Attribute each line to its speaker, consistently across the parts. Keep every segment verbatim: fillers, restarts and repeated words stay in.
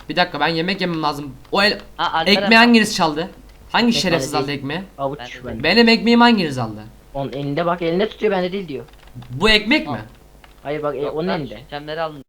Speaker 1: Bir dakika, ben yemek yemem lazım. O el
Speaker 2: Ha, Alperen-
Speaker 1: ekmeği hanginiz çaldı? Hangi
Speaker 3: Ekmek
Speaker 1: şerefsiz
Speaker 3: bende
Speaker 1: aldı
Speaker 3: değil.
Speaker 1: ekmeği?
Speaker 3: Avuç
Speaker 2: Ben de
Speaker 3: ben.
Speaker 1: Benim ekmeğimi hanginiz aldı?
Speaker 3: Onun elinde bak, elinde tutuyor, bende değil diyor.
Speaker 1: Bu ekmek mi?
Speaker 3: Hayır bak, e,
Speaker 2: Yok,
Speaker 3: onun
Speaker 2: ben
Speaker 3: elinde.
Speaker 2: Şemleri alın.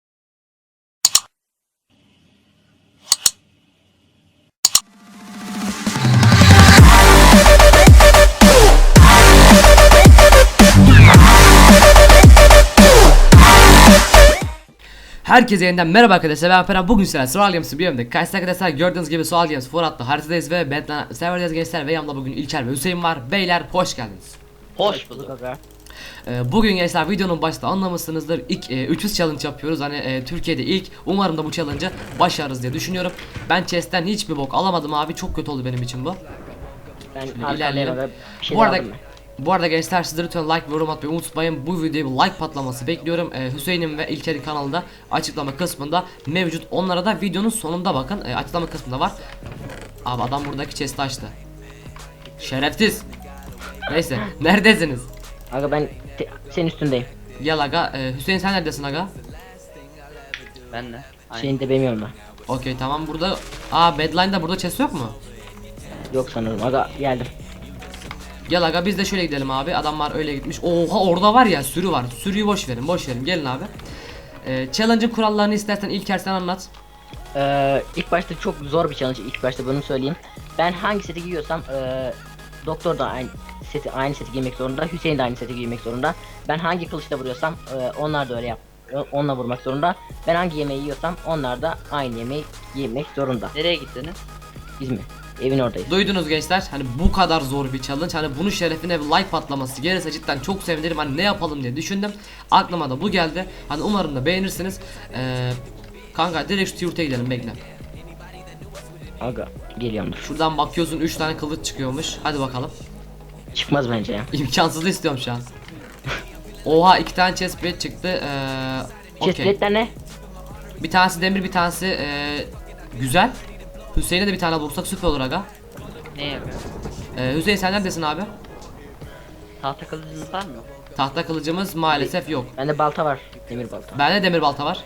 Speaker 1: Herkese yeniden merhaba arkadaşlar, ben Alperen. Bugün sizlerle Survival Games'in bir bölümde karşınızda arkadaşlar. Gördüğünüz gibi Survival Games Forat'ta haritadayız ve Batman serverdeyiz gençler. Ve yanımda bugün İlker ve Hüseyin var. Beyler hoş geldiniz.
Speaker 2: Hoş bulduk.
Speaker 3: Aga.
Speaker 1: Ee, bugün gençler videonun başta anlamışsınızdır. İlk e, üç yüz challenge yapıyoruz. Hani e, Türkiye'de ilk. Umarım da bu challenge'ı başarırız diye düşünüyorum. Ben chest'ten hiçbir bok alamadım abi. Çok kötü oldu benim için bu.
Speaker 3: Ben
Speaker 1: Şöyle
Speaker 3: arkadayım
Speaker 1: ilerleyelim.
Speaker 3: aga. Bir şey
Speaker 1: Bu arada
Speaker 3: aldım ben.
Speaker 1: Bu arada gençler, sizleri lütfen like ve yorum atmayı unutmayın. Bu videoya bir like patlaması bekliyorum. Ee, Hüseyin'in ve İlker'in kanalında açıklama kısmında mevcut. Onlara da videonun sonunda bakın. Ee, açıklama kısmında var. Abi adam buradaki chest'i açtı. Şerefsiz. Neyse, neredesiniz?
Speaker 3: Aga ben te- senin üstündeyim.
Speaker 1: Gel aga. Ee, Hüseyin sen neredesin aga?
Speaker 2: Ben de. Aynen.
Speaker 3: Şeyini de bilmiyorum ben.
Speaker 1: Okey tamam, burada. Aa, Badline'da burada chest yok mu?
Speaker 3: Yok sanırım aga, geldim.
Speaker 1: Gel aga, biz de şöyle gidelim abi. Adamlar öyle gitmiş. Oha, orada var ya, sürü var. Sürüyü boş verin, boş verin. Gelin abi. Ee, challenge'ın kurallarını istersen İlker sen anlat.
Speaker 3: Ee, ilk başta çok zor bir challenge, ilk başta bunu söyleyeyim. Ben hangi seti giyiyorsam ee, doktor da aynı seti aynı seti giymek zorunda, Hüseyin de aynı seti giymek zorunda. Ben hangi kılıçla vuruyorsam ee, onlar da öyle yap. Onunla vurmak zorunda. Ben hangi yemeği yiyorsam onlar da aynı yemeği yemek zorunda.
Speaker 2: Nereye gittiniz?
Speaker 3: Biz mi? Evin oradayız.
Speaker 1: Duydunuz gençler, hani bu kadar zor bir challenge, hani bunun şerefine bir like patlaması gelirse cidden çok sevinirim. Hani ne yapalım diye düşündüm, aklıma da bu geldi. Hani umarım da beğenirsiniz. Ee, kanka direkt şu yurta gidelim, bekle.
Speaker 3: Aga geliyorumdur.
Speaker 1: Şuradan bakıyorsun, üç tane kılıç çıkıyormuş. Hadi bakalım.
Speaker 3: Çıkmaz bence ya.
Speaker 1: İmkansızı istiyorum şu an. Oha, iki tane chestplate çıktı. Ee, okey.
Speaker 3: Chestplate'ler ne?
Speaker 1: Bir tanesi demir, bir tanesi ee, güzel. Hüseyin'e de bir tane vursak süper olur aga.
Speaker 2: Ne yapıyor?
Speaker 1: Ee, Hüseyin sen neredesin abi?
Speaker 2: Tahta kılıcınız var mı?
Speaker 1: Tahta kılıcımız maalesef yok.
Speaker 3: Bende balta var. Demir balta.
Speaker 1: Bende demir balta var.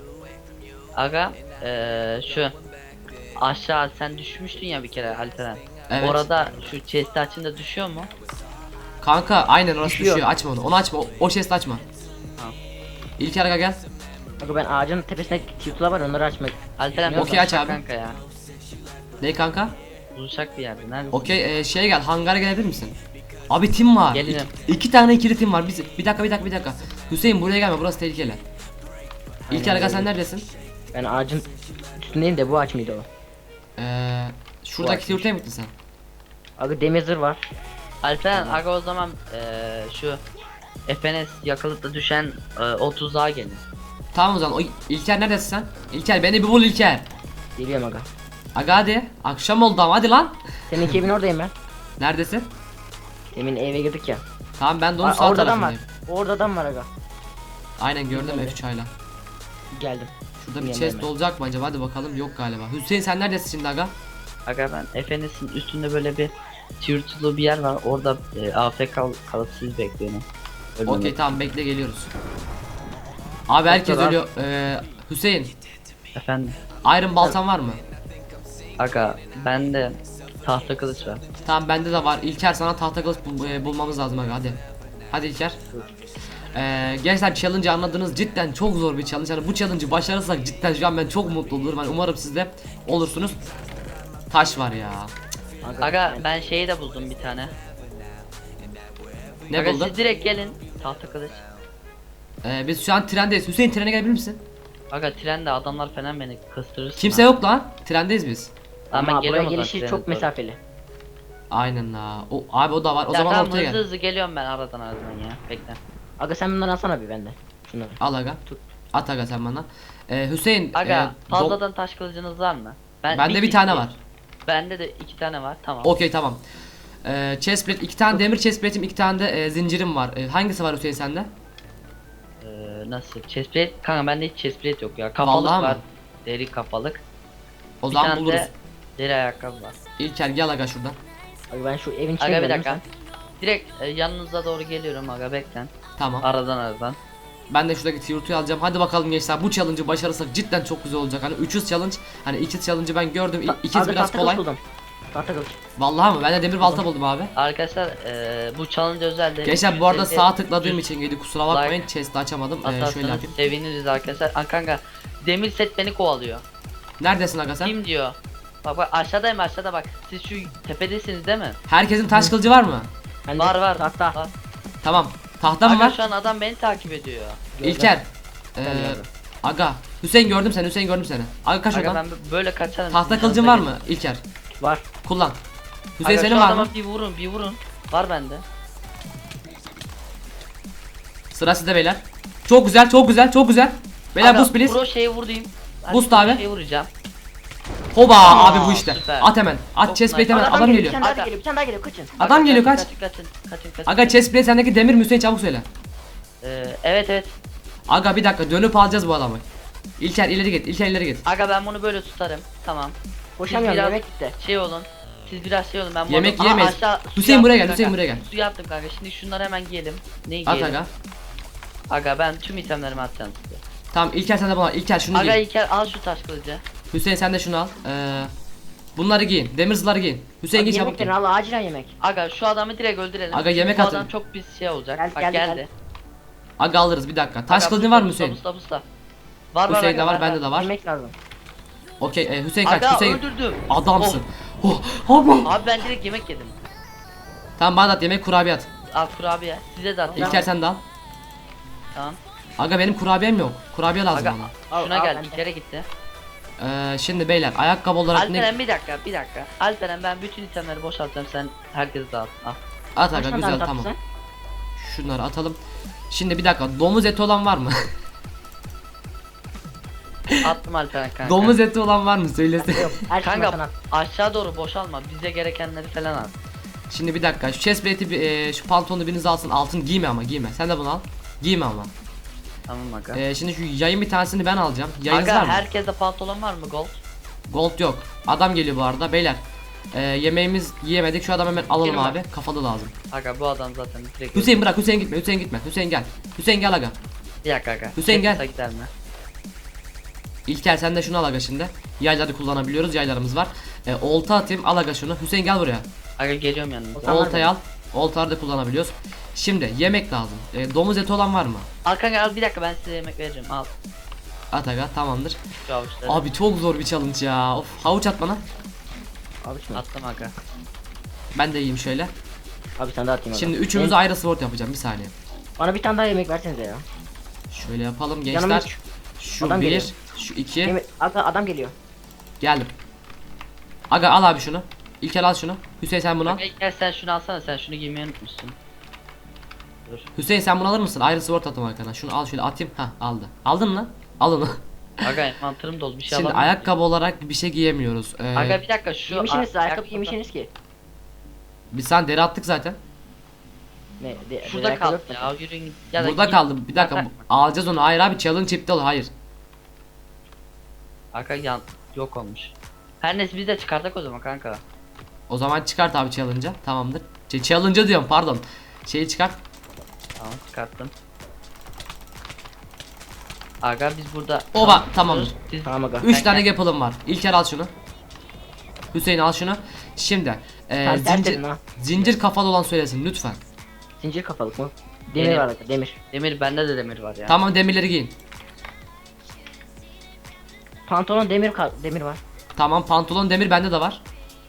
Speaker 2: Aga eee şu aşağı sen düşmüştün ya bir kere Alperen.
Speaker 1: Evet.
Speaker 2: Orada şu chest'i açınca düşüyor mu?
Speaker 1: Kanka aynen orası düşüyor.
Speaker 3: Düşüyor.
Speaker 1: Açma onu. Onu açma. O, o chest açma.
Speaker 2: Tamam.
Speaker 1: İlker aga gel.
Speaker 3: Aga ben ağacın tepesine tiyutula var, onları açmak.
Speaker 2: Alperen
Speaker 1: Okey, aç
Speaker 2: buluşak
Speaker 1: abi.
Speaker 2: kanka ya.
Speaker 1: Ne kanka?
Speaker 2: Buluşak bir yerde. Nerede?
Speaker 1: Okey, e, şeye gel. Hangara gelebilir misin? Abi tim var.
Speaker 2: Gelirim.
Speaker 1: İki, iki tane ikili tim var. Biz, bir dakika bir dakika bir dakika. Hüseyin buraya gelme. Burası tehlikeli. İlker aga sen neredesin?
Speaker 3: Ben ağacın üstündeyim de bu ağaç mıydı o?
Speaker 1: Ee, şuradaki
Speaker 3: açmış.
Speaker 1: yurtaya mı gittin sen?
Speaker 3: Aga demir zırh var.
Speaker 2: Alperen aga o zaman eee şu F N S yakalıp düşen eee, o tuzağa gelin.
Speaker 1: Tamam o zaman. O, İlker neredesin sen? İlker beni bir bul İlker.
Speaker 3: Geliyorum aga.
Speaker 1: Aga hadi. Akşam oldu ama hadi lan.
Speaker 3: Seninki evin oradayım ben.
Speaker 1: Neredesin?
Speaker 3: Demin eve girdik ya.
Speaker 1: Tamam, ben de onun
Speaker 3: Aa,
Speaker 1: sağ
Speaker 3: orada adam var.
Speaker 1: tarafındayım.
Speaker 3: Orada adam var aga.
Speaker 1: Aynen gördüm
Speaker 3: Nerede?
Speaker 1: F üç ayla.
Speaker 3: Geldim.
Speaker 1: Şurada bir
Speaker 3: Yanına
Speaker 1: chest
Speaker 3: hemen.
Speaker 1: olacak mı acaba? Hadi bakalım. Yok galiba. Hüseyin sen neredesin şimdi aga?
Speaker 2: Aga ben F N S'in üstünde böyle bir tiyurtulu bir yer var. Orada e, A F K kal kalıp siz bekliyorum.
Speaker 1: Okey tamam, bekle geliyoruz. Abi herkes
Speaker 3: Doktor,
Speaker 1: ölüyor. Ee, Hüseyin,
Speaker 2: Efendim.
Speaker 1: iron baltan var mı?
Speaker 2: Aga bende tahta kılıç var.
Speaker 1: Tamam bende de var. İlker sana tahta kılıç bul- e, bulmamız lazım aga, hadi. Hadi İlker. Ee, gençler challenge'ı anladınız, cidden çok zor bir challenge. Yani bu challenge'ı başarırsak cidden şu an ben çok mutlu olurum. Yani umarım siz de olursunuz. Taş var ya.
Speaker 3: Aga,
Speaker 2: Aga
Speaker 3: ben-
Speaker 2: ben şeyi de buldum bir tane.
Speaker 1: Ne
Speaker 2: Aga
Speaker 1: buldun?
Speaker 2: siz direkt gelin. Tahta kılıç.
Speaker 1: Ee, biz şu an trendeyiz. Hüseyin trene gelebilir misin?
Speaker 2: Aga trende adamlar falan beni kıstırır.
Speaker 1: Kimse yok lan. Trendeyiz biz.
Speaker 2: Ama ben
Speaker 3: Ama buraya
Speaker 2: geliyorum o zaman
Speaker 3: gelişi
Speaker 2: trene
Speaker 3: çok
Speaker 2: doğru.
Speaker 3: mesafeli.
Speaker 1: Aynen la. O abi o da var. O
Speaker 2: Ya
Speaker 1: zaman
Speaker 2: tamam,
Speaker 1: ortaya
Speaker 2: hızlı
Speaker 1: gel.
Speaker 2: hızlı geliyorum ben aradan aradan ya. Bekle.
Speaker 3: Aga sen bunları alsana bir bende. Şunları.
Speaker 1: Al aga.
Speaker 3: Tut.
Speaker 1: At aga sen bana. Ee, Hüseyin.
Speaker 2: Aga
Speaker 1: e, do-
Speaker 2: fazladan taş kılıcınız var mı? Ben
Speaker 1: Bende bir tane var.
Speaker 2: Bende de iki tane var. Tamam.
Speaker 1: Okey tamam. Ee, chestplate, iki tane demir chestplate'im, iki tane de e, zincirim var. E, hangisi var Hüseyin sende?
Speaker 2: Ee, nasıl? Chestplate? Kanka bende hiç chestplate yok ya. Kafalık
Speaker 1: Vallahi
Speaker 2: var.
Speaker 1: mi?
Speaker 2: Deri kafalık.
Speaker 1: O
Speaker 2: Bir
Speaker 1: zaman
Speaker 2: tane
Speaker 1: buluruz.
Speaker 2: de deri ayakkabı var.
Speaker 1: İlker gel aga şuradan.
Speaker 3: Aga ben şu evin içine
Speaker 2: Aga bir
Speaker 3: girelim
Speaker 2: dakika.
Speaker 3: sen.
Speaker 2: Direkt e, yanınıza doğru geliyorum aga beklen.
Speaker 1: Tamam.
Speaker 2: Aradan aradan.
Speaker 1: Ben de şuradaki Tirutu'yu alacağım. Hadi bakalım gençler, bu challenge'ı başarırsak cidden çok güzel olacak. Hani üç yüz challenge, hani iki yüz challenge'ı ben gördüm. İ- iki yüz
Speaker 3: Abi
Speaker 1: biraz
Speaker 3: tahta
Speaker 1: kolay.
Speaker 3: kılıç buldum. Tahta kılıç.
Speaker 1: Vallahi mı? Ben de demir balta buldum abi.
Speaker 2: Arkadaşlar eee, bu challenge özel de
Speaker 1: Gençler bu arada
Speaker 2: yüz elli
Speaker 1: sağ tıkladığım için geldi, kusura bakmayın.
Speaker 2: Like
Speaker 1: Chest'i açamadım. Ee, şöyle
Speaker 2: atarsanız
Speaker 1: yapayım.
Speaker 2: seviniriz arkadaşlar. Aa, kanka demir set beni kovalıyor.
Speaker 1: Neredesin aga sen?
Speaker 2: Kim diyor? Bak bak aşağıdayım, aşağıda bak. Siz şu tepedesiniz değil mi?
Speaker 1: Herkesin taş kılıcı var mı?
Speaker 3: Bende
Speaker 2: Var var.
Speaker 3: Tahta.
Speaker 2: Var.
Speaker 1: Tamam. Tahta mı
Speaker 2: Aga
Speaker 1: var?
Speaker 2: şu an adam beni takip ediyor.
Speaker 3: Gördüm.
Speaker 1: İlker. Ee,
Speaker 3: Ben gördüm.
Speaker 1: aga. Hüseyin gördüm seni. Hüseyin gördüm seni. Aga kaç
Speaker 2: Aga
Speaker 1: oradan.
Speaker 2: ben böyle kaçarım.
Speaker 1: Tahta
Speaker 2: sizin
Speaker 1: kılıcın
Speaker 2: yanınıza
Speaker 1: var mı İlker?
Speaker 3: Var.
Speaker 1: Kullan.
Speaker 2: gelin.
Speaker 1: Hüseyin
Speaker 2: Aga,
Speaker 1: senin
Speaker 2: şu
Speaker 1: var
Speaker 2: adama
Speaker 1: mı?
Speaker 2: bir vurun bir vurun. Var bende.
Speaker 1: Sıra sizde beyler. Çok güzel, çok güzel, çok güzel. Beyler
Speaker 2: Aga,
Speaker 1: boost please.
Speaker 2: Pro şeyi vurayım. Ben
Speaker 1: Boost
Speaker 2: pro
Speaker 1: abi.
Speaker 2: Şeyi vuracağım.
Speaker 1: Hoba
Speaker 2: Aa,
Speaker 1: abi bu işte.
Speaker 2: süper.
Speaker 1: At hemen. At
Speaker 2: Çok
Speaker 1: chest plate
Speaker 2: nice.
Speaker 1: hemen.
Speaker 3: Adam,
Speaker 1: Adam
Speaker 3: geliyor.
Speaker 1: geliyor.
Speaker 3: Bir tane daha
Speaker 2: Aga.
Speaker 3: geliyor. Bir tane daha geliyor. Kaçın.
Speaker 1: Adam
Speaker 2: Aga,
Speaker 1: geliyor,
Speaker 2: kaçın,
Speaker 1: kaç.
Speaker 2: Kaçın kaçın kaçın kaçın.
Speaker 1: Aga chest plate sendeki demir mi Hüseyin, çabuk söyle.
Speaker 2: Ee, evet evet.
Speaker 1: Aga bir dakika, dönüp alacağız bu adamı. İlker ileri git. İlker ileri git.
Speaker 2: Aga ben bunu böyle tutarım. Tamam.
Speaker 3: Koşamıyorum.
Speaker 2: biraz-
Speaker 3: Yemek gitti.
Speaker 2: Şey olun. Siz biraz şey olun, ben bu
Speaker 1: Yemek
Speaker 2: adamı- Aha,
Speaker 1: yiyemeyiz.
Speaker 2: aşağı- su
Speaker 1: Hüseyin buraya
Speaker 2: yaptım
Speaker 1: gel, Hüseyin
Speaker 2: kanka.
Speaker 1: buraya gel.
Speaker 2: Su yaptım kanka. Şimdi şunları hemen giyelim. Neyi
Speaker 1: At
Speaker 2: giyelim?
Speaker 1: aga.
Speaker 2: Aga ben tüm itemlerimi atacağım size.
Speaker 1: Tamam İlker sen de bana. İlker şunu
Speaker 2: Aga
Speaker 1: giy.
Speaker 2: İlker al şu taş kılıcı.
Speaker 1: Hüseyin sen de şunu al. Ee, bunları giyin. Demir zırhları giyin. Hüseyin
Speaker 3: Abi
Speaker 1: giy çabuk
Speaker 3: yemek
Speaker 1: giy.
Speaker 3: verin. Allah acilen yemek.
Speaker 2: Aga şu adamı direkt öldürelim.
Speaker 1: Aga, yemek
Speaker 2: Bu
Speaker 1: atın.
Speaker 2: adam çok pis şey olacak.
Speaker 3: Geldi,
Speaker 2: Bak
Speaker 3: geldi,
Speaker 2: geldi.
Speaker 3: geldi.
Speaker 1: Aga alırız bir dakika. Taş
Speaker 2: Aga,
Speaker 1: kılıcın
Speaker 2: busta,
Speaker 1: var mı
Speaker 2: busta,
Speaker 1: Hüseyin?
Speaker 2: busta, busta. Var var.
Speaker 1: Hüseyin'de
Speaker 2: aga,
Speaker 1: var, bende de var.
Speaker 3: Yemek lazım.
Speaker 1: Okey e, Hüseyin kaç.
Speaker 2: Aga
Speaker 1: Hüseyin.
Speaker 2: öldürdüm.
Speaker 1: Adamsın. Oh. Abi.
Speaker 2: Abi ben direkt yemek yedim.
Speaker 1: Tamam bana da at, yemek kurabiye at.
Speaker 2: Al kurabiye. Size de atayım.
Speaker 1: İlker sen de al.
Speaker 2: Tamam.
Speaker 1: Aga benim kurabiyem yok. Kurabiye lazım
Speaker 2: Aga
Speaker 1: bana.
Speaker 2: şuna
Speaker 3: Al, al,
Speaker 2: gel.
Speaker 3: bende.
Speaker 2: İlker'e gitti.
Speaker 1: Ee, şimdi beyler ayakkabı olarak ne?
Speaker 2: Alperen bir dakika bir dakika. Alperen ben bütün itemleri boşaltacağım, sen herkes dağıt. Al.
Speaker 1: At aga
Speaker 3: Kaç tane
Speaker 1: güzel
Speaker 3: tahta
Speaker 1: tamam.
Speaker 3: sen?
Speaker 1: Şunları atalım. Şimdi bir dakika, domuz eti olan var mı?
Speaker 2: Attım Alperen kanka.
Speaker 1: Domuz eti olan var mı söylesin.
Speaker 3: Yok. Her şey
Speaker 2: Kanka
Speaker 3: masana.
Speaker 2: aşağı doğru boşalma. Bize gerekenleri falan al.
Speaker 1: Şimdi bir dakika, şu chest plate'i bir, e, şu pantolonu biriniz alsın, altın giyme ama giyme. Sen de bunu al. Giyme ama.
Speaker 2: Tamam aga.
Speaker 1: Ee, şimdi şu yayın bir tanesini ben alacağım. Yayınız var
Speaker 2: Aga
Speaker 1: mı?
Speaker 2: herkeste pantolon var mı gold?
Speaker 1: Gold yok. Adam geliyor bu arada beyler. Ee, yemeğimiz yiyemedik. Şu adam hemen alalım
Speaker 2: Girme.
Speaker 1: abi. Kafalı lazım.
Speaker 2: Aga bu adam zaten direkt
Speaker 1: Hüseyin bırak, Hüseyin gitme. Hüseyin gitme. Hüseyin gel. Hüseyin gel aga.
Speaker 2: Bir dakika aga.
Speaker 1: Hüseyin gel.
Speaker 2: Teknisa gider mi?
Speaker 1: İlker sen de şunu al aga şimdi. Yayları kullanabiliyoruz. Yaylarımız var. Ee, olta atayım. Al aga şunu. Hüseyin gel buraya.
Speaker 2: Aga geliyorum yanınıza.
Speaker 3: Tamam.
Speaker 1: Oltayı al. Oltaları da kullanabiliyoruz. Şimdi yemek lazım. Ee, domuz eti olan var mı?
Speaker 2: Al kanka al bir dakika, ben size yemek vereceğim. Al
Speaker 1: At aga, tamamdır.
Speaker 2: şu avuçları.
Speaker 1: Abi çok zor bir challenge ya. Of, havuç at bana.
Speaker 3: Abi şimdi.
Speaker 2: Attım aga.
Speaker 1: Ben de yiyeyim şöyle.
Speaker 3: Abi sen de atayım.
Speaker 1: Şimdi
Speaker 3: abi.
Speaker 1: üçümüz
Speaker 3: Benim-
Speaker 1: ayrı sword yapacağım. Bir saniye.
Speaker 3: Bana bir tane daha yemek versenize ya.
Speaker 1: Şöyle yapalım
Speaker 3: Yanıma
Speaker 1: gençler.
Speaker 3: üç.
Speaker 1: Şu
Speaker 3: Adam
Speaker 1: bir,
Speaker 3: geliyor.
Speaker 1: şu iki.
Speaker 3: Yemek. Aga adam geliyor.
Speaker 1: Geldim. Aga al abi şunu. İlker al şunu. Hüseyin sen bunu al.
Speaker 2: Aga gel sen şunu alsana, sen şunu giymeyi unutmuşsun. Dur.
Speaker 1: Hüseyin sen bunu alır mısın? Ayrı sword atım arkana. Şunu al şöyle atayım. Ha aldı. Aldın mı? Al onu.
Speaker 2: Aga mantarım dolu, bir şey
Speaker 1: Şimdi
Speaker 2: alamıyorum.
Speaker 1: ayakkabı olarak bir şey giyemiyoruz. Ee,
Speaker 2: Aga bir dakika şu
Speaker 3: Yemişsiniz siz, ayakkabı
Speaker 2: ayakkabı-
Speaker 3: yemişsiniz ki.
Speaker 1: biz sen deri attık zaten.
Speaker 3: Ne? De,
Speaker 2: Şurada
Speaker 3: ayakkabı
Speaker 2: kaldı
Speaker 3: yok
Speaker 2: ya, yürüyün. Ya da
Speaker 1: Burada
Speaker 2: giyin.
Speaker 1: kaldı. Bir dakika.
Speaker 2: Aga-
Speaker 1: bu- Alacağız onu. Hayır abi challenge iptal. Hayır.
Speaker 2: Aga yan yok olmuş. Her neyse biz de çıkartak o zaman kanka.
Speaker 1: O zaman çıkart abi challenge'a. Tamamdır. Şey, challenge'a diyorum pardon. Şeyi çıkart.
Speaker 2: Tamam çıkarttım. Aga biz burada.
Speaker 1: Oba, tamamdır.
Speaker 2: Siz...
Speaker 3: Tamam aga.
Speaker 1: üç
Speaker 2: Sen
Speaker 1: tane
Speaker 2: gel.
Speaker 1: gapalım var. İlker al şunu. Hüseyin al şunu. Şimdi e,
Speaker 3: Sen
Speaker 1: zincir,
Speaker 3: zincir. Ha.
Speaker 1: zincir kafalı olan söylesin lütfen.
Speaker 3: Zincir kafalık mı? Demir
Speaker 2: Demir.
Speaker 3: var aga demir.
Speaker 2: Demir, bende de demir var ya.
Speaker 1: Tamam demirleri giyin.
Speaker 3: Pantolon demir ka- demir var.
Speaker 1: Tamam pantolon demir bende de var.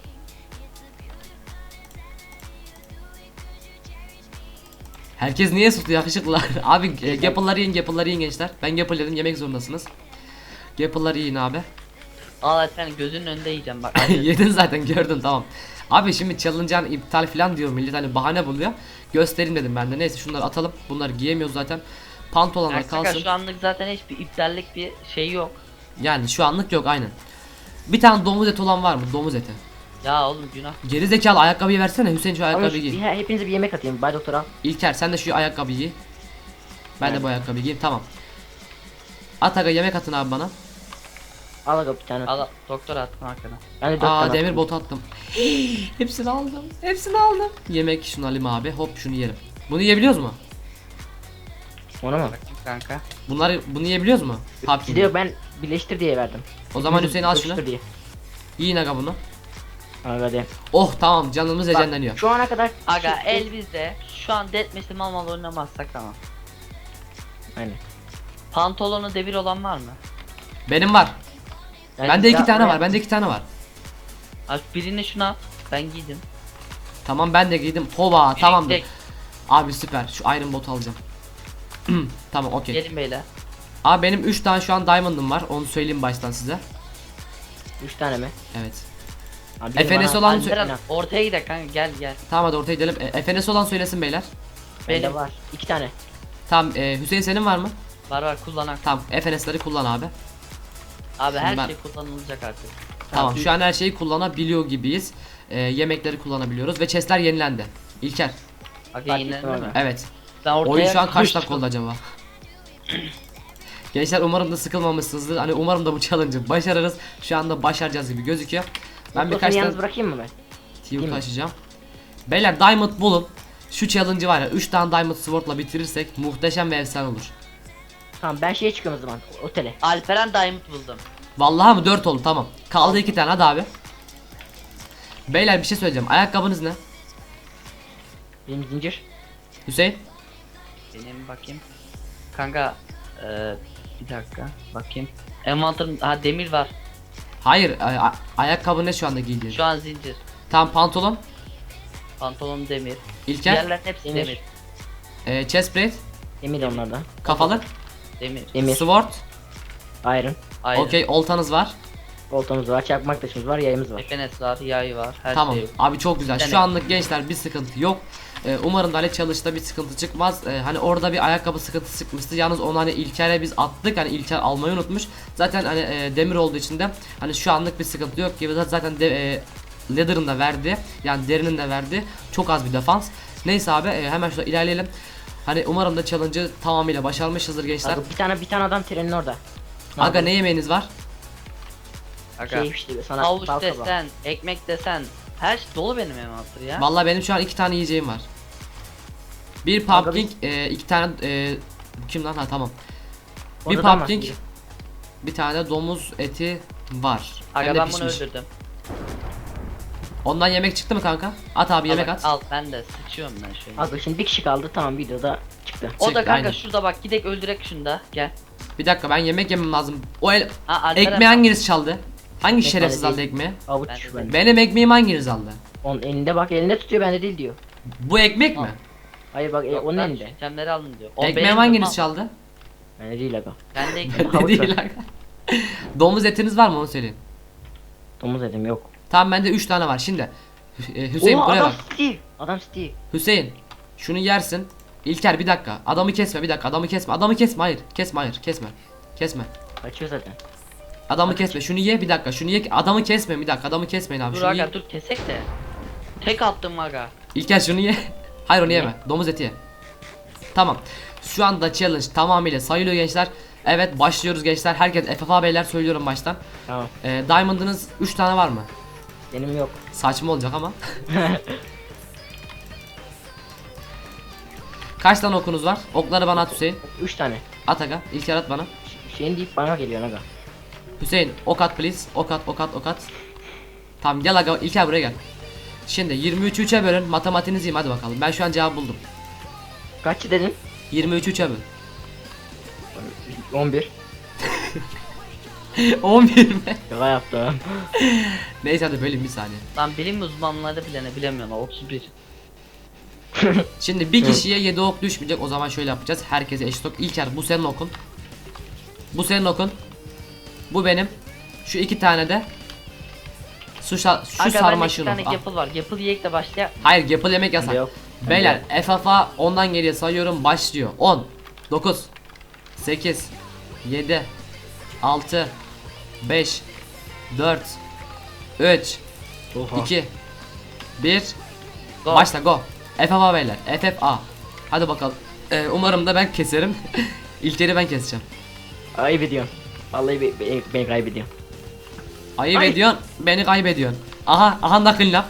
Speaker 1: Herkes niye susuyor yakışıklılar? Abi e, gapılları yiyin, gapılları yiyin gençler. Ben gapıl dedim, yemek zorundasınız. Gapılları yiyin abi.
Speaker 2: Al sen gözünün önünde yiyeceğim bak.
Speaker 1: Yedin zaten, gördüm tamam. Abi şimdi challenge'ın iptal falan diyor millet, hani bahane buluyor. Göstereyim dedim ben de. Neyse şunları atalım. Bunları giyemiyoruz zaten. Pantolonlar
Speaker 2: Yani kanka
Speaker 1: kalsın.
Speaker 2: şu anlık zaten hiçbir iptallik bir şey yok.
Speaker 1: Yani şu anlık yok aynen. Bir tane domuz eti olan var mı? Domuz eti.
Speaker 2: Ya oğlum günah.
Speaker 1: Geri zekalı ayakkabıyı versene Hüseyin, şu
Speaker 3: Ama
Speaker 1: ayakkabıyı
Speaker 3: şu-
Speaker 1: giy.
Speaker 3: he- hepinize bir yemek atayım. Bay doktor al.
Speaker 1: İlker sen de şu ayakkabıyı giy. Ben de
Speaker 3: Evet.
Speaker 1: bu ayakkabıyı giyeyim, tamam. At aga, yemek atın abi bana.
Speaker 3: Al aga bir tane.
Speaker 2: Al doktor attım arkana.
Speaker 3: Ben de dört
Speaker 1: Aa
Speaker 3: tane
Speaker 1: demir
Speaker 3: attım.
Speaker 1: botu attım. Hepsini aldım. Hepsini aldım. Yemek şunu alayım abi. Hop şunu yerim. Bunu yiyebiliyoruz mu?
Speaker 3: Onu mu?
Speaker 2: Bakayım kanka.
Speaker 1: Bunları bunu yiyebiliyoruz mu? Pumpkin.
Speaker 3: Gidiyor, ben birleştir diye verdim.
Speaker 1: O zaman Hüseyin al şunu.
Speaker 3: Birleştir diye.
Speaker 1: Yiyin aga bunu.
Speaker 3: Abi hadi.
Speaker 1: Oh tamam, canımız
Speaker 3: Bak,
Speaker 1: heyecanlanıyor.
Speaker 3: şu ana kadar
Speaker 2: Aga
Speaker 3: şu-
Speaker 2: el bizde. Şu an deathmatch'te mal mal oynamazsak tamam.
Speaker 3: Aynen.
Speaker 2: Pantolonu devir olan var mı?
Speaker 1: Benim var.
Speaker 3: Yani
Speaker 1: Bende iki
Speaker 3: ya-
Speaker 1: tane
Speaker 3: oraya-
Speaker 1: var. Bende iki tane var.
Speaker 2: Abi birini şuna at. Ben giydim.
Speaker 1: Tamam ben de giydim. Hova tamamdır.
Speaker 2: Direkt
Speaker 1: Abi süper. Şu Iron Bot alacağım. Tamam okey.
Speaker 2: Gelin beyler.
Speaker 1: Abi benim üç tane şu an diamond'ım var. Onu söyleyeyim baştan size.
Speaker 3: Üç tane mi?
Speaker 1: Evet.
Speaker 3: Abi benim
Speaker 1: F N S
Speaker 3: bana-
Speaker 1: olan
Speaker 3: Alperen,
Speaker 2: Alperen ortaya gidelim kanka, gel gel.
Speaker 1: Tamam hadi ortaya gidelim. E, F N S olan söylesin beyler.
Speaker 3: bende
Speaker 2: Benim
Speaker 3: var. İki tane.
Speaker 1: Tamam e, Hüseyin senin var mı?
Speaker 2: var var kullanak.
Speaker 1: Tamam F N S'leri kullan abi.
Speaker 2: Abi her
Speaker 1: Şimdi ben-
Speaker 2: şey kullanılacak artık.
Speaker 1: Tamam şu an her şeyi kullanabiliyor gibiyiz. E, yemekleri kullanabiliyoruz ve chestler yenilendi. İlker.
Speaker 2: Aga
Speaker 3: Fark
Speaker 2: yine
Speaker 3: ettim
Speaker 2: mi?
Speaker 3: abi.
Speaker 1: Evet.
Speaker 2: Ben ortaya
Speaker 1: Oyun şu an kaç
Speaker 2: koştum.
Speaker 1: dakika oldu acaba? Gençler umarım da sıkılmamışsınızdır. Hani umarım da bu challenge'ı başarırız. Şu anda başaracağız gibi gözüküyor. Ben
Speaker 3: Ben
Speaker 1: birkaç
Speaker 3: yalnız
Speaker 1: tane
Speaker 3: bırakayım mı ben?
Speaker 1: team
Speaker 3: mi?
Speaker 1: taşıyacağım. Beyler diamond bulun. Şu challenge'ı var ya üç tane diamond sword'la bitirirsek muhteşem ve efsane olur.
Speaker 3: Tamam, ben şeye çıkıyorum o zaman. Otele.
Speaker 2: Alperen Diamond buldum.
Speaker 1: Vallahi mı dört oldu tamam. Kaldı iki tane hadi abi. Beyler bir şey söyleyeceğim. Ayakkabınız ne?
Speaker 3: Benim zincir.
Speaker 1: Hüseyin?
Speaker 2: Benim bakayım. Kanka eee bir dakika bakayım. Envanterim, ha demir var.
Speaker 1: Hayır, ay- ay- ayakkabı ne şu anda giydiğin?
Speaker 2: Şu an zincir.
Speaker 1: Tamam pantolon.
Speaker 2: Pantolon demir.
Speaker 1: İlker.
Speaker 2: Diğerlerin hepsi
Speaker 3: Demir.
Speaker 2: demir.
Speaker 1: E, chest plate.
Speaker 3: Demir onlarda.
Speaker 1: Kafalı.
Speaker 2: Demir.
Speaker 3: Demir.
Speaker 1: Sword.
Speaker 3: Iron.
Speaker 2: Ayrı.
Speaker 1: Okey oltanız var.
Speaker 3: Oltamız var. Çakmak taşımız var. Yayımız var.
Speaker 2: F N S var, yay var, her
Speaker 1: Tamam
Speaker 2: şey yok.
Speaker 1: abi çok güzel. Şu
Speaker 2: Yani-
Speaker 1: anlık gençler bir sıkıntı yok. Ee, umarım da hani challenge'da bir sıkıntı çıkmaz. Ee, hani orada bir ayakkabı sıkıntısı çıkmıştı. Yalnız onu hani İlker'e biz attık. Hani İlker almayı unutmuş. Zaten hani e, demir olduğu için de hani şu anlık bir sıkıntı yok gibi. Zaten de, e, Leather'ın da verdi. Yani derinin de verdi. Çok az bir defans. Neyse abi e, hemen şurada ilerleyelim. Hani umarım da challenge'ı tamamıyla başarmışızdır gençler.
Speaker 3: Aga, bir tane bir tane adam trenin orada.
Speaker 1: Aga ne yemeğiniz var?
Speaker 2: Aga.
Speaker 3: Şey işte sana
Speaker 2: Havuç
Speaker 3: bal kabağı.
Speaker 2: desen, ekmek desen, her şey dolu benim envanter ya.
Speaker 1: Vallahi benim şu an iki tane yiyeceğim var. Bir
Speaker 3: Aga
Speaker 1: pumpkin, e, iki tane e, kim lan ha tamam. Bir
Speaker 3: Orada da
Speaker 1: pumpkin,
Speaker 3: var.
Speaker 1: bir tane domuz eti var. Hem
Speaker 2: Aga
Speaker 1: de
Speaker 2: ben bunu
Speaker 1: pişmiş.
Speaker 2: öldürdüm.
Speaker 1: Ondan yemek çıktı mı kanka? At abi yemek
Speaker 2: al,
Speaker 1: at.
Speaker 2: al ben de sıçıyorum ben şöyle.
Speaker 3: Aga şimdi bir kişi kaldı, tamam, videoda çıktı.
Speaker 2: O da
Speaker 1: Çıktı,
Speaker 2: kanka
Speaker 1: aynen.
Speaker 2: şurada bak, gidek öldürek şunu da gel.
Speaker 1: Bir dakika ben yemek yemem lazım. O el
Speaker 2: Ha, Alperen,
Speaker 1: ekmeği hanginiz çaldı? Hangi
Speaker 3: Ekmek
Speaker 1: şerefsiz
Speaker 3: değil.
Speaker 1: aldı ekmeği?
Speaker 3: Avuç
Speaker 2: Ben de-
Speaker 3: bende.
Speaker 1: Benim ekmeğimi hanginiz aldı?
Speaker 3: Onun elinde bak, elinde tutuyor, bende değil diyor.
Speaker 1: Bu ekmek mi?
Speaker 3: Hayır bak, e,
Speaker 2: Yok,
Speaker 3: onun
Speaker 2: ben
Speaker 3: elinde.
Speaker 2: şu itemleri alın diyor. O
Speaker 1: Ekmeğimi
Speaker 2: benim
Speaker 1: hanginiz
Speaker 2: mal.
Speaker 1: çaldı?
Speaker 3: Bende değil aga.
Speaker 2: Ben de ekmek.
Speaker 1: Ne
Speaker 3: Havuç
Speaker 1: değil aga. Domuz etiniz var mı onu söyleyin.
Speaker 3: Domuz edim yok.
Speaker 1: Tamam bende üç tane var şimdi. Hü- e, Hüseyin
Speaker 3: Oha,
Speaker 1: buraya
Speaker 3: adam
Speaker 1: bak.
Speaker 3: Steve. Adam Steve.
Speaker 1: Hüseyin şunu yersin. İlker bir dakika. Adamı kesme bir dakika. Adamı kesme. Adamı kesme hayır. Kesme hayır. Kesme. Kesme.
Speaker 3: Kaçıyor zaten.
Speaker 1: Adamı kesme. Şunu ye bir dakika. Şunu ye. Adamı kesme bir dakika. Adamı kesmeyin abi.
Speaker 2: Dur
Speaker 1: Şunu ye.
Speaker 2: aga dur kesek de. Tek attım aga.
Speaker 1: İlker şunu ye. Hayır onu
Speaker 3: Niye?
Speaker 1: yeme. Domuz eti ye. Tamam. Şu anda challenge tamamıyla sayılıyor gençler. Evet başlıyoruz gençler. Herkes F F A beyler söylüyorum baştan.
Speaker 3: Tamam.
Speaker 1: Ee, Diamond'ınız üç tane var mı?
Speaker 3: Benim yok.
Speaker 1: Saçma olacak ama. Kaç tane okunuz var? Okları bana at Hüseyin.
Speaker 3: Üç tane.
Speaker 1: At aga. İlker at bana.
Speaker 3: Ş- Şeyin deyip bana geliyor aga.
Speaker 1: Hüseyin ok at please. Ok at ok at ok at. Tamam gel aga İlker buraya gel. Şimdi yirmi üçü üçe bölün. Matematiğinizi yiyeyim hadi bakalım. Ben şu an cevabı buldum.
Speaker 3: Kaç dedin?
Speaker 1: yirmi üçü üçe böl.
Speaker 3: on bir.
Speaker 1: on bir mi?
Speaker 3: Şaka yaptım.
Speaker 1: Neyse hadi böleyim bir saniye.
Speaker 2: Lan bilim uzmanları bile ne bilemiyorlar. otuz bir.
Speaker 1: Şimdi bir kişiye yedi ok düşmeyecek. O zaman şöyle yapacağız. Herkese eşit ok. İlker bu senin okun. Bu senin okun. Bu benim. Şu iki tane de şu, sa- şu
Speaker 2: Aga bende iki
Speaker 1: sarmaşığın
Speaker 2: tane
Speaker 1: ok. Al.
Speaker 2: yapıl var. Yapıl yiyek de başlaya.
Speaker 1: Hayır yapıl yemek yasak.
Speaker 3: Yok.
Speaker 1: Beyler F F A ondan geriye sayıyorum başlıyor. on dokuz sekiz yedi altı beş dört üç
Speaker 3: Oha.
Speaker 1: iki bir
Speaker 2: Go.
Speaker 1: Başla go. F F A beyler. F F A. Hadi bakalım. Ee, umarım da ben keserim. İlkleri ben keseceğim.
Speaker 3: Ayıp ediyorsun. Vallahi be, be, beni kaybediyorsun.
Speaker 1: Ayıp
Speaker 3: Ay.
Speaker 1: ediyorsun, beni kaybediyorsun. Aha, aha nakil laf.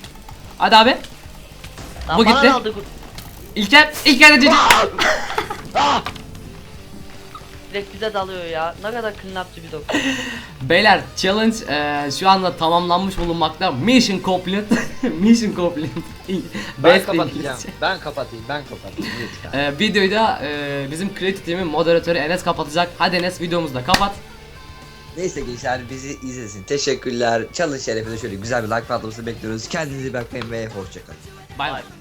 Speaker 1: Hadi abi.
Speaker 2: Lan
Speaker 1: Bu
Speaker 2: bana
Speaker 1: gitti.
Speaker 2: ne oldu?
Speaker 1: İlker, İlker de cici.
Speaker 2: Ah! Direkt bize dalıyor ya. Ne kadar kınnapçı bir doktor.
Speaker 1: Beyler challenge e, şu anda tamamlanmış bulunmakta. Mission complete. Mission complete.
Speaker 4: Ben
Speaker 1: Best
Speaker 4: kapatacağım.
Speaker 1: İngilizce.
Speaker 4: Ben kapatayım. Ben kapatayım. Lütfen.
Speaker 1: E, videoyu da e, bizim Creative Team'in moderatörü Enes kapatacak. Hadi Enes videomuzu da kapat.
Speaker 5: Neyse gençler bizi izlesin. Teşekkürler. Challenge şerefine şöyle güzel bir like patlaması bekliyoruz. Kendinize iyi bakmayın ve hoşçakalın.
Speaker 1: Bay bay.